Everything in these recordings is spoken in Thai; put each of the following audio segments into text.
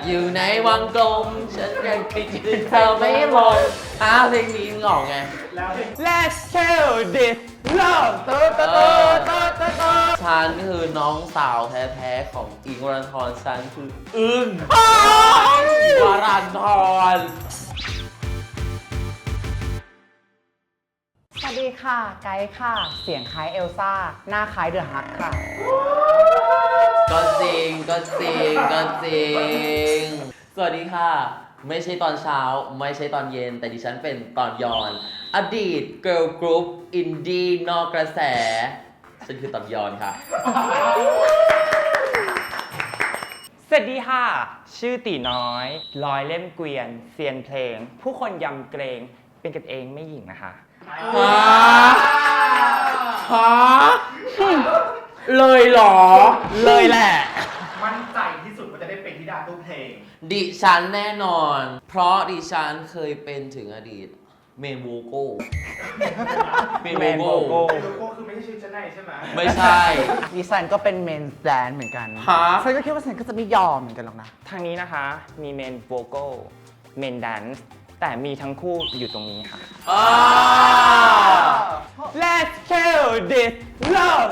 อยู่ในวังกลมฉันยังติดอยู่เธอไม่ลงเพลงนี้งอกไง Let's kill this love ฉันคือน้องสาวแท้ๆของอิงค์วรันธรฉันคืออึ้งวรันธรสวัสดีค่ะ ไกด์ค่ะ เสียงคล้ายเอลซ่า หน้าคล้ายเดอะฮักค่ะก็จริงสวัสดีค่ะ ไม่ใช่ตอนเช้าไม่ใช่ตอนเย็นแต่ดิฉันเป็นตอนย้อน อดีตเกิร์ลกรุ๊ปอินดี้นอกกระแส ฉันคือตอนย้อนค่ะสวัสดีค่ะ ชื่อตีน้อยร้อยเล่มเกวียนเซียนเพลง ผู้คนยำเกรงเป็นกันเองไม่หญิงนะคะฮะเลยเหรอเลยแหละมั่นใจที่สุดว่าจะได้เป็นธิดาตู้เพลงดิฉันแน่นอน เพราะดิฉันเคยเป็นถึงอดีตเมนโวโก้เมนโวโก้โลโก้คือไม่ใช่ชื่อชั้นในใช่ไหมไม่ใช่ดิฉันก็เป็นเมนแดนเหมือนกันฮะฉันก็คิดว่าฉันก็จะไม่ยอมเหมือนกันหรอกนะทางนี้นะคะมีเมนโวโก้เมนแดนซ์แต่มีทั้งคู่อยู่ตรงนี้ค่ะ Let's kill this love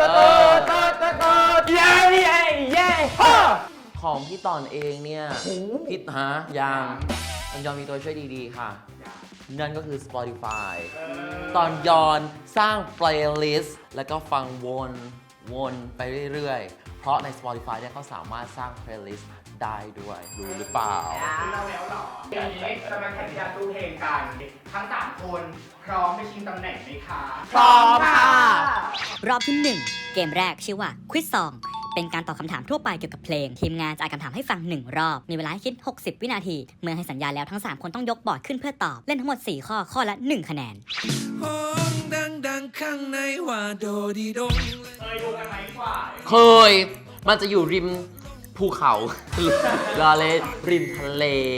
yeah ของพี่ตอนเองเนี่ยพี่ยังมันยอมมีตัวช่วยดีๆค่ะ นั่นก็คือ Spotify ตอนยอนสร้าง playlist แล้วก็ฟังวนไปเรื่อยๆ เพราะใน Spotify เนี่ยเขาสามารถสร้าง playlist ได้ด้วยรู้หรือเปล่าเราแล้วเหรอวันนี้จะมาแข่งธิดาตู้เพลงกัน ทั้ง3คนพร้อมไปชิงตำแหน่งไหมคะพร้อมค่ะรอบที่ 1 เกมแรกชื่อว่า Quiz Song เป็นการตอบคำถามทั่วไปเกี่ยวกับเพลง ทีมงานจะอ่านคำถามให้ฟัง 1 รอบ มีเวลาให้คิด 60 วินาที เมื่อให้สัญญาแล้วทั้ง 3 คนต้องยกบอร์ดขึ้นเพื่อตอบ เล่นทั้งหมด 4 ข้อ ข้อละ 1 คะแนนห้องดังๆข้างในว่าโดดีดงเคยดูกันไหมกว่าเคย มันจะอยู่ริมภูเขา ลาเลริมทะเล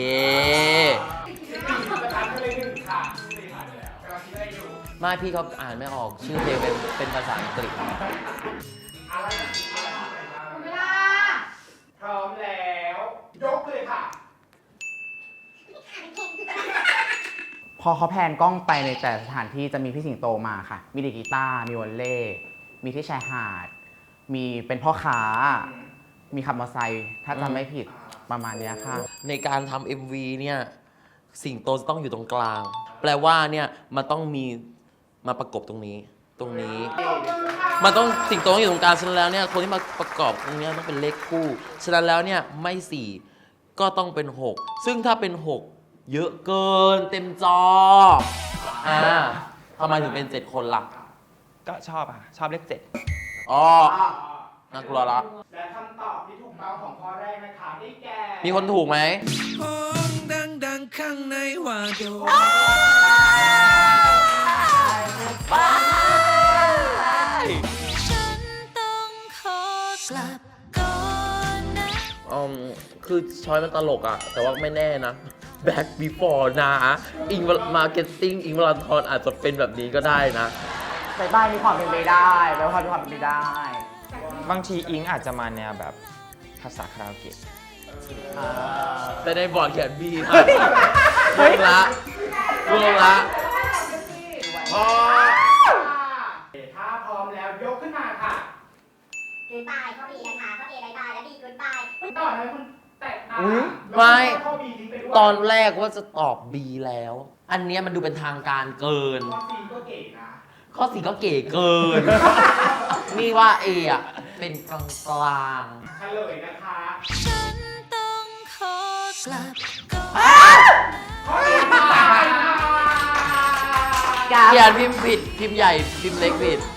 ประธานก็เลยหนึ่งค่ะสี่ผ่านไปแล้วกำลังคิดอะไรอยู่ไม่พี่เขาอ่านไม่ออกชื่อเพลงเป็นภาษาอังกฤษอะไรเวลาพร้อมแล้ว ยกเลยค่ะพอเขาแพนกล้องไปในแต่สถานที่จะมีพี่สิงโตมาค่ะ มีดีดกีตาร์ มีวอลเล่ มีที่ชายหาด มีเป็นพ่อค้า มีขับมอเตอร์ไซค์ถ้าจำไม่ผิดประมาณเนี้ยค่ะในการทำ MV เนี่ยสิงโตจะต้องอยู่ตรงกลาง แปลว่าเนี่ยมันต้องมีมาประกบตรงนี้ มันต้องสิงโตต้องอยู่ตรงกลางฉะนั้นแล้วเนี่ยคนที่มาประกอบตรงเนี้ยต้องเป็นเลขคู่ฉะนั้นแล้วเนี่ยไม่4ก็ต้องเป็น 6 ซึ่งถ้าเป็น 6 เยอะเกินเต็มจอทำไมถึงเป็น 7 คนล่ะก็ชอบค่ะ ชอบเลขอ๋อน่ากลัวละและคำตอบที่ถูกต้องของข้อแรกนะคะได้แก่มีคนถูกไหมห้องดังๆข้างในว่าโดฉันต้องขอกลับก่อนนะคือช้อยมันตลกอะแต่ว่าไม่แน่นะ Back Before นะอิงมาร์เก็ตติ้งอิงวรันธรอาจจะเป็นแบบนี้ก็ได้นะบายบายมีความเป็นไปได้บายบายมีความเป็นไปได้ๆ บางทีอิงอาจจะมาแนวแบบภาษาคาราโอเกะแต่ในบอร์ดเขียนบีนะรวมละพอถ้าพร้อมแล้วยกขึ้นมาค่ะคือตายข้อบีนะคะข้อเอบายบายและบีคือตายต่อเลยคุณแตะตาไม่ข้อบีทิ้งไปด้วยตอนแรกว่าจะตอบ B แล้ว อันเนี้ยมันดูเป็นทางการเกินข้อซีก็เก๋นะข้อ 4 ก็เก๋เกิน นี่ว่า A อ่ะ เป็นกลางกลางเฉลยนะคะฉันต้องขอกลับก่อนข้อบีตายค่ะเขียนพิมพ์ผิด พิมพ์ใหญ่ พิมพ์เล็กผิด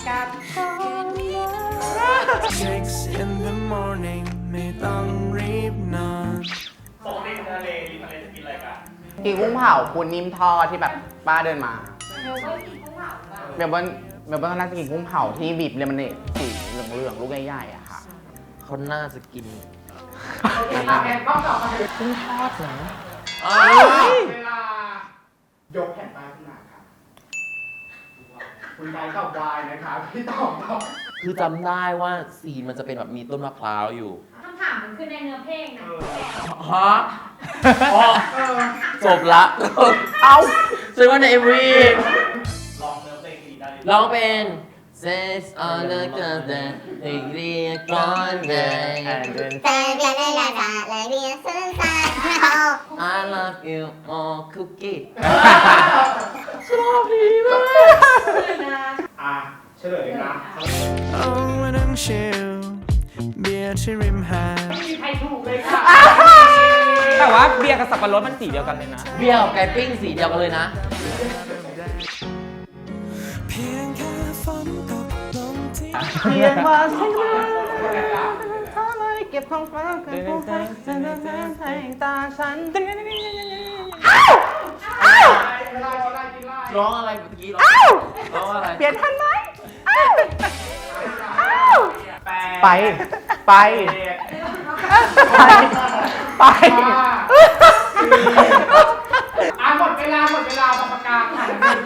6 in the morning ไม่ต้องรีบนอนปกติทะเลจะกินอะไรกันกินกุ้งเผาคุณนิ่มทอดที่แบบป้าเดินมาเมลเบิร์นก็น่าจะกินกุ้งเผาที่บีบเลมอนเนดสีเหลืองๆลูกใหญ่ๆอะค่ะเขาน่าจะกินแข่งข้อต่อมาเลยกุ้งทอดเหรอเวลา ยกแผ่นป้ายขึ้นมาครับ คุณไกด์ตอบวายนะคะพี่ตอบคือจำได้ว่าซีนมันจะเป็นแบบมีต้นมะพร้าวอยู่คำถามมันคือในเนื้อเพลงนะฮะอ๋อจบละ เอาซึ่งว่าใน MV ลองเนื้อเพลงดีได้เลยร้องเป็น Says all the girls that they read gone day แต่เรียนได้ละจ้าและเรียนซื่อสัตย์ I love you more cookie อ่ะเฉลยเลยนะเอามานั่งชิลเบียร์ที่ริมหาดไม่มีใครถูกเลยค่ะแต่ว่าเบียร์กับสับปะรดมันสีเดียวกันเลยนะเบี้ยวกับไก่ปิ้งสีเดียวกันเลยนะเพียงแค่ฝนตกลงที่เพียงว่าฉันอะไรเก็บของฟ้ากับผู้ให้ฉันแทงตาฉันร้องอะไรเมื่อกี้ร้องอะไรเปลี่ยนทันไหมไปไป ไปหมดเวลาบางประกาศค่ะ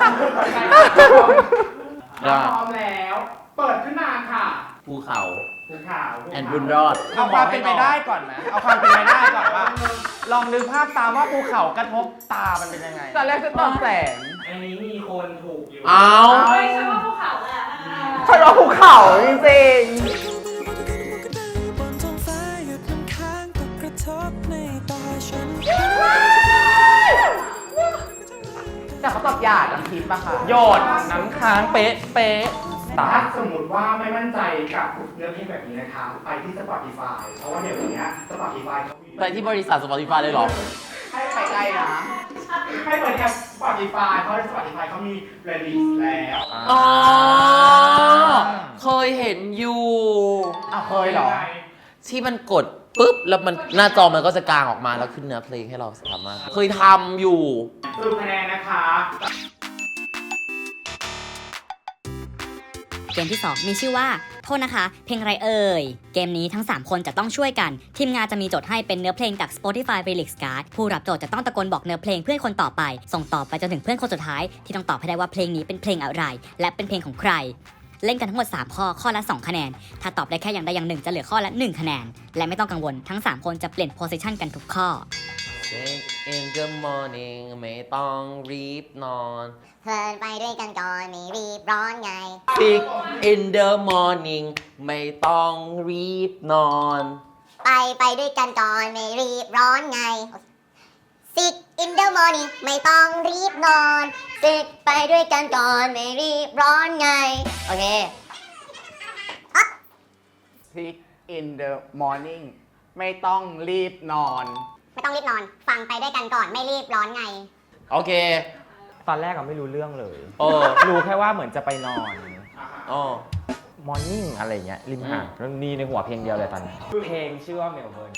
ถ้าพร้อมแล้ว เปิดขึ้นมาค่ะภูเขาภูเขาแอนบุญรอดเอาความเป็นไปได้ก่อนไหมเอาความเป็นไปได้ก่อนว่า ลองนึกภาพตามว่าภูเขากระทบตามันเป็นยังไงตอนแรกจะตอบแสงอันนี้มีคนถูกอยู่เอาเฮ้ยฉันว่าภูเขาแหละฉันว่าภูเขาจริงบนท้องฟ้าหยุดน้ำค้างตกกระทบในตาฉันๆแต่เขาตอบหยาดน้ำทิพย์อะค่ะโยดน้ำค้างเป๊ะเป๊ะตาถ้าสมมติว่าไม่มั่นใจกับเนื้อเพลงแบบนี้นะคะ ไปที่ Spotify เพราะว่าเดี๋ยวนี้ Spotify เขามีไปที่บริษัท Spotify เลยเหรอให้ไปไกลนะให้เปิดแอป Spotify เพราะใน Spotify เขามี playlist แล้วอ๋อ เคยเห็นอยู่อ้าวเคยเหรอที่มันกดปุ๊บ แล้วมันหน้าจอมันก็จะกางออกมาแล้วขึ้นเนื้อเพลงให้เราสามารถ เคยทำอยู่สรุปคะแนนนะคะเกมที่ 2 มีชื่อว่า โทษนะคะ เพลงอะไรเอ่ย เกมนี้ทั้ง 3 คนจะต้องช่วยกัน ทีมงานจะมีโจทย์ให้เป็นเนื้อเพลงจาก Spotify Remix Card ผู้รับโจทย์จะต้องตะโกนบอกเนื้อเพลงเพื่อนคนต่อไป ส่งต่อไปจนถึงเพื่อนคนสุดท้าย ที่ต้องตอบให้ได้ว่าเพลงนี้เป็นเพลงอะไร และเป็นเพลงของใคร เล่นกันทั้งหมด 3 ข้อ ข้อละ 2 คะแนน ถ้าตอบได้แค่อย่างใดอย่างหนึ่งจะเหลือข้อละ 1 คะแนน และไม่ต้องกังวล ทั้ง 3 คนจะเปลี่ยนโพสิชันกันทุกข้อ In the morning ไม่ต้องรีบนอนเพลินไปด้วยกันก่อนไม่รีบร้อนไง Sick in the morning ไม่ต้องรีบนอนไปด้วยกันก่อนไม่รีบร้อนไง Sick in the morning ไม่ต้องรีบนอน Sick ไปด้วยกันก่อนไม่รีบร้อนไง โอเค Sick in the morning ไม่ต้องรีบนอนไม่ต้องรีบนอน ฟังไปด้วยกันก่อนไม่รีบร้อนไงโอเคตอนแรกอะไม่รู้เรื่องเลยโอ้รู้แค่ว่าเหมือนจะไปนอนอ๋อมอร์นิ่งอะไรเงี้ยริมหาดแล้วมีในหัวเพลงเดียวเลยตอนนี้เพลงชื่อว่าเมลเบิร์น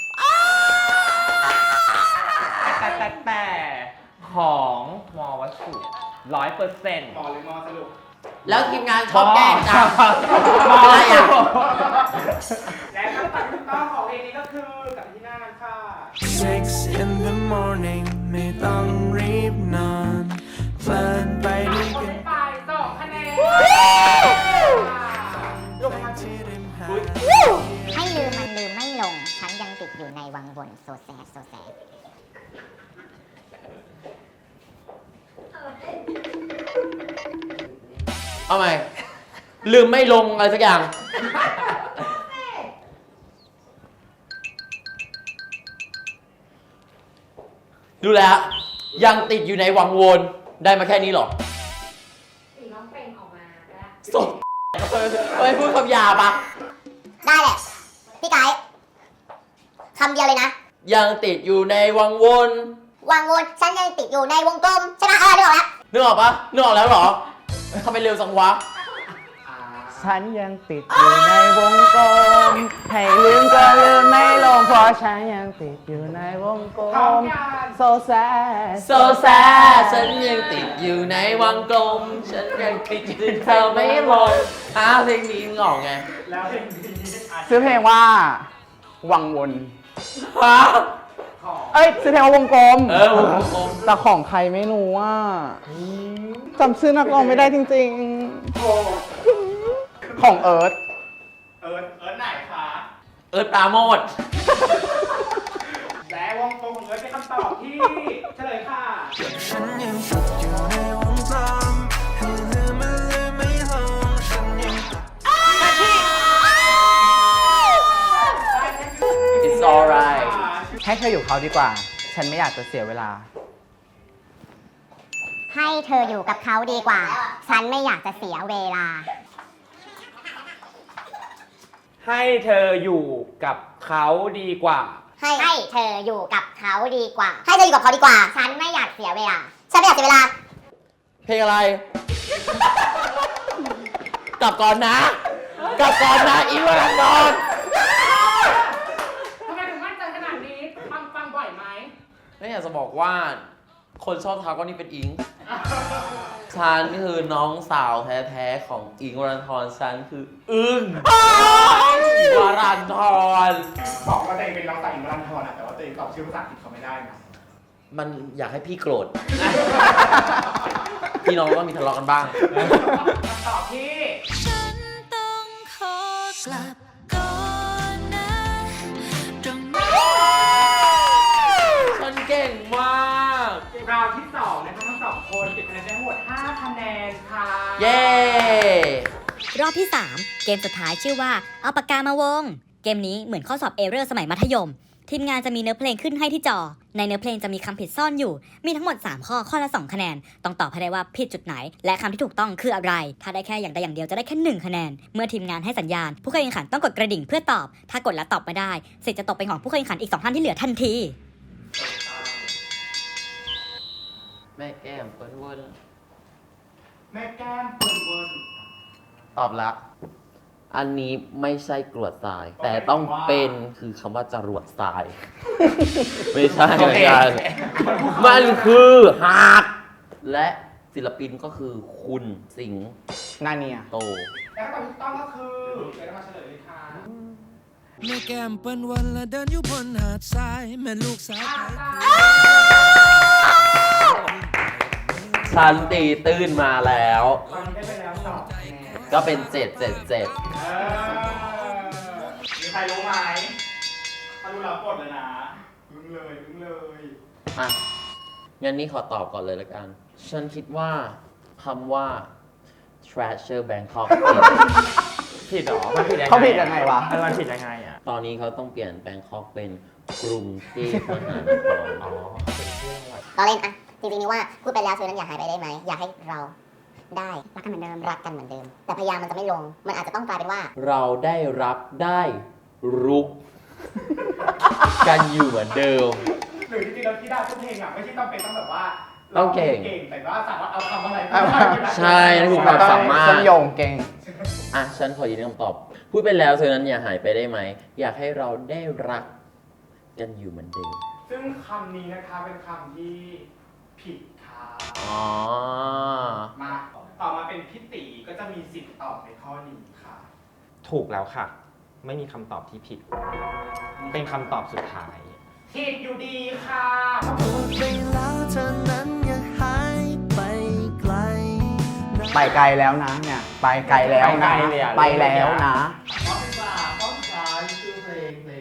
แต่ของมอวัตถุ100% หมอเลยมอสรุปแล้วทีมงานชอบแกล้งจังอะไรอ่ะและคำตอบถูกต้องของเพลงนี้ก็คือกลับที่หน้ากันค่ะ 6 in the morning ไม่ต้องรีบนอนเพลินไปด้วยคนกันไม่ไป2 คะแนนที่ริมหาดให้ลืมมันลืมไม่ลง ฉันยังติดอยู่ในวังวนโซแซดโซแซดเอาใหม่ลืมไม่ลงอะไรสักอย่าง ดูแล้ว ยังติดอยู่ในวังวนได้มาแค่นี้เหรอสีน้องเปล่งออกมาก็ได้สดเฮ้ยพูดคำหยาบอ่ะได้แหละ พี่ไก่คำเดียวเลยนะยังติดอยู่ในวังวนวังวนฉันยังติดอยู่ในวงกลมใช่ไหมนึกออกแล้วนึกออกปะนึกออกแล้วเหรอทำไมเร็วสังวะฉันยังติดอยู่ในวงกลม ให้ลืมก็ลืมไม่ลงเพราะฉันยังติดอยู่ในวงกลพร้อมมยัง so sad so sad ฉันยังติดอยู่ในวังกลม ฉันยังติดอยู่เธอไม่ลงเพลงนี้มึงออกไงแล้วเพลงนี้ซื้อเพลงว่า วังวนฮะของเอ้ยซื้อเพลงว่าวงกลมวงกลมแต่ของใครไม่รู้ว่าจำชื่อนักร้องไม่ได้จริงๆ ของเอิร์ธเอิร์ธไหนคะเอิร์ธปราโมทและวงกลมของเอิร์ธเป็นคำตอบที่เฉลยค่ะฉันยังติดอยู่ในวงกลมให้ลืมมันลืมไม่ลงฉันยัง It's alright ให้เธออยู่เขาดีกว่า ฉันไม่อยากจะเสียเวลาให้เธออยู่กับเขาดีกว่า ฉันไม่อยากจะเสียเวลาให้เธออยู่กับเขาดีกว่าให้เธออยู่กับเขาดีกว่า ให้เธออยู่กับเขาดีกว่า ฉันไม่อยากเสียเวลา ฉันไม่อยากเสียเวลาเพลงอะไร กลับก่อนนะ กลับก่อนนะอีวานอนทำไมถึงมั่นใจขนาดนี้ ฟังบ่อยไหมไม่อยากจะบอกว่า คนชอบทักว่านี่เป็นอิง ฉันคือน้องสาวแท้ๆของอิงวรันทรฉันคืออึ้งวรันทรบอกว่าตัวเองเป็นน้องสาวอิงค์วรันทรนะแต่ว่าตัวเองตอบชื่อภาษาอังกฤษเขาไม่ได้นะมันอยากให้พี่โกรธ พี่น้องก็มีทะเลาะกันบ้างคำตอบที่ฉันต้องขอกลับก่อนนะตรงนี้ฉันเก่งมากราวที่2นะคะทั้งสองคนเก็บคะแนนได้ทั้งหมด5คะแนนค่ะเย้รอบที่ 3 เกมสุดท้ายชื่อว่าเอาปากกามาวง เกมนี้เหมือนข้อสอบเอเรอร์สมัยมัธยม ทีมงานจะมีเนื้อเพลงขึ้นให้ที่จอ ในเนื้อเพลงจะมีคำผิดซ่อนอยู่ มีทั้งหมด 3 ข้อละ 2 คะแนน ต้องตอบให้ได้ว่าผิดจุดไหน และคำที่ถูกต้องคืออะไร ถ้าได้แค่อย่างใดอย่างเดียวจะได้แค่ 1 คะแนน เมื่อทีมงานให้สัญญาณ ผู้เข้าแข่งขันต้องกดกระดิ่งเพื่อตอบ ถ้ากดแล้วตอบไม่ได้สิทธิ์จะตกเป็นของผู้เข้าแข่งขันอีก 2 ท่านที่เหลือทันทีแม่แก้มเปิ้ลเวิร์นแม่แก้มเปิดเวิร์นตอบละอันนี้ไม่ใช่กรวดทราย แต่ต้องเป็นคือคำว่าจรวดทราย ไม่ใช่ไม่ใช่มันคือหากและศิลปินก็คือคุณสิงห์นาเนียโตและคำตอบที่ถูกต้องก็คือเดี๋ยวเรามาเฉลยเลยค่ะแม่แก้มเปิ้นวันละเดินอยู่บนหาดทรายแม่ลูกสาวไทยฉันตีตื้นมาแล้วตอนนี้ได้ไปแล้ว2คะแนนก็เป็น 777 มีใครรู้ไหมถ้ารู้แล้วกดเลยนะอึ้งเลยอ่ะ งั้นนี่ขอตอบก่อนเลยละกัน ฉันคิดว่าคำว่า Treasure Bangkok ผิดเหรอ มันผิดยังไงเขาผิดยังไงวะมันผิดยังไงอ่ะตอนนี้เขาต้องเปลี่ยน Bangkok เป็นกรุงเทพมหานครอ๋อเป็นชื่อจังหวัดเราเล่นอะจริงๆนี่ว่าพูดไปแล้วเธอนั้นอย่าหายไปได้ไหม อยากให้เราได้รักกันเหมือนเดิม รักกันเหมือนเดิม แต่พยายามมันจะไม่ลง มันอาจจะต้องกลายเป็นว่าเราได้รับได้รุก กันอยู่เหมือนเดิมหรือจริงๆแล้วที่ได้ทุกเพลงอ่ะไม่ใช่ต้องเป็นต้องแบบว่าต้องเก่งแต่ว่าสามารถเอาคำอะไรใช่นั่นคือความสามารถเส้นโยงเก่งอ่ะ ฉันขอยืนยันคำตอบ พูดไปแล้วเธอนั้นอย่าหายไปได้ไหม อยากให้เราได้รักกันอยู่เหมือนเดิมซึ่งคำนี้นะคะเป็นคำที่ผิดค่ะอ๋อมาต่อมาเป็นพี่ตีก็จะมีสิทธิ์ตอบในข้อนี้ค่ะถูกแล้วค่ะ ไม่มีคำตอบที่ผิด เป็นคำตอบสุดท้ายผิดอยู่ดีค่ะพูดไปแล้วเธอนั้นอย่าหายไปไกลนะไปไกลแล้วนะเนี่ย ไปไกลแล้วนะไปไกลเลยอะไปแล้วนะข้อที่สามข้อสุดท้ายคือเพลงนี้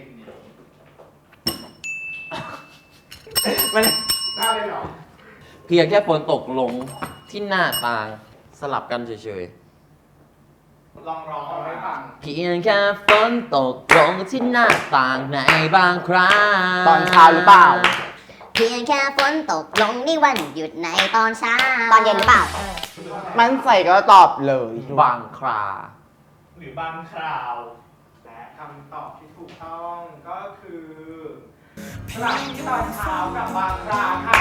มันได้เลยเหรอเพียงแค่ฝนตกลงที่หน้าต่างสลับกันเฉยลองร้องให้ฟังๆ เพียงแค่ฝนตกลงที่หน้าต่างในบางครั้งตอนเช้าหรือเปล่าเพียงแค่ฝนตกลงในวันหยุดในตอนเช้า ตอนเย็นหรือเปล่ามันใส่ก็ตอบเลยบางคราหรือบางคราว และคำตอบที่ถูกต้องก็คือพลังที่ตอนเช้ากับบางคราค่ะ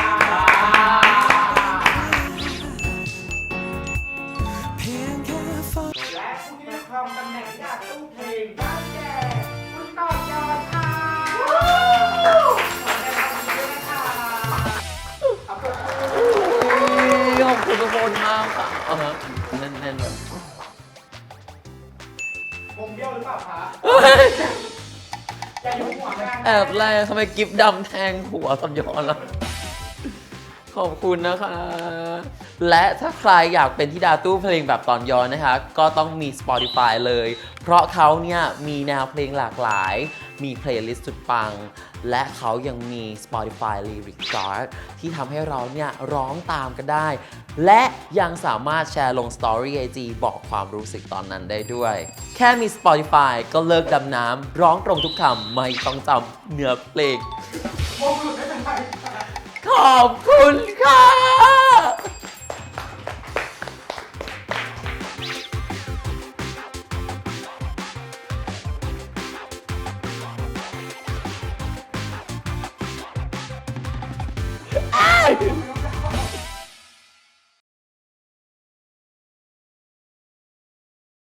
เพียงแค่ฝนและผู้ที่ได้ครองตำแหน่งจากตู้เพลงได้แก่คุณต่อยอดค่ะขอแสดงความยินดีด้วยนะคะเอาปรบมือขอบคุณทุกคนมากค่ะเอาฮะแน่นๆแบบวงเบี้ยวหรือเปล่าคะอย่ายุ่งหัวแม่แอบแรงทำไมกิฟดำแทงหัวสัมยอนล่ะขอบคุณนะคะ และถ้าใครอยากเป็นธิดาตู้เพลงแบบตอนย้อนนะคะ ก็ต้องมี Spotify เลย เพราะเขาเนี่ยมีแนวเพลงหลากหลาย มีเพลย์ลิสต์สุดปัง และเขายังมี Spotify Lyric Chart ที่ทำให้เราเนี่ยร้องตามกันได้ และยังสามารถแชร์ลง Story IG บอกความรู้สึกตอนนั้นได้ด้วย แค่มี Spotify ก็เลิกดำน้ำร้องตรงทุกคำไม่ต้องจำเนื้อเพลงโมกุไม่เป็นไรขอบคุณค่ะไม่